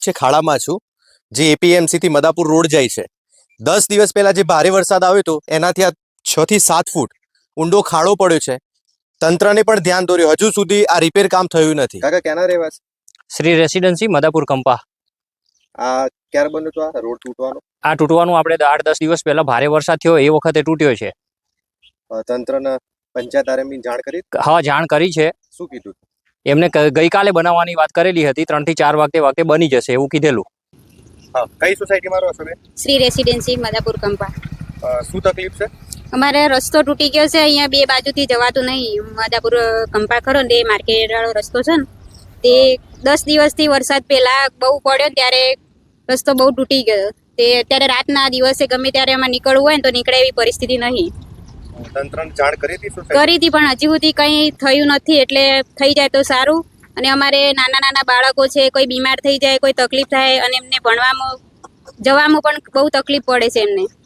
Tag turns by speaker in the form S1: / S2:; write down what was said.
S1: છે ખાડામાં છું, જે એપીએમસી થી મદાપુર રોડ જાય છે. 10 દિવસ પહેલા જે ભારે વરસાદ આવ્યો હતો એનાથી આ 6 થી 7 ફૂટ ઊંડો ખાડો પડ્યો છે. તંત્રને પણ ધ્યાન દોર્યું, હજુ સુધી આ રિપેર કામ થયું નથી. કાકા ક્યાંના રહેવાસી?
S2: શ્રી રેસિડેન્સી મદાપુર કંપા.
S1: આ ક્યારે બન્યું તો આ રોડ તૂટવાનો?
S2: આ તૂટવાનું આપણે 8-10 દિવસ પહેલા ભારે વરસાદ થયો એ વખતે તૂટ્યો છે.
S1: તંત્રને પંચાયત આરએમની જાણ કરી?
S2: હા, જાણ કરી છે.
S1: શું કીધું?
S2: એમને ગઈકાલે બનાવવાની વાત કરેલી હતી, 3 થી 4 વાગે બની જશે એવું કીધેલું.
S1: હા, કઈ સોસાયટીમાં રહો છો બેન?
S3: શ્રી રેસિડેન્સી મદાપુર કંપા.
S1: શું તકલીફ છે?
S3: અમારે રસ્તો તૂટી ગયો છે, અહીંયા બે બાજુથી જવાતું નહીં. મદાપુર કંપા ખરો ને એ માર્કેટ વાળો રસ્તો છે ને, તે 10 દિવસથી વરસાદ પહેલા બહુ પડ્યો ત્યારે રસ્તો બહુ તૂટી ગયો. તે અત્યારે રાતના દિવસે ગમે ત્યારે એમાં નીકળવું હોય ને તો નીકળે એવી પરિસ્થિતિ નહીં.
S1: તંત્રને જાણ કરી હતી?
S3: કરી હતી પણ હજી સુધી કંઈ થયું નથી. એટલે થઈ જાય તો સારું. અને અમારે નાના બાળકો છે, કોઈ બીમાર થઈ જાય, કોઈ તકલીફ થાય અને એમને ભણવામાં જવામાં પણ બહુ તકલીફ પડે છે એમને.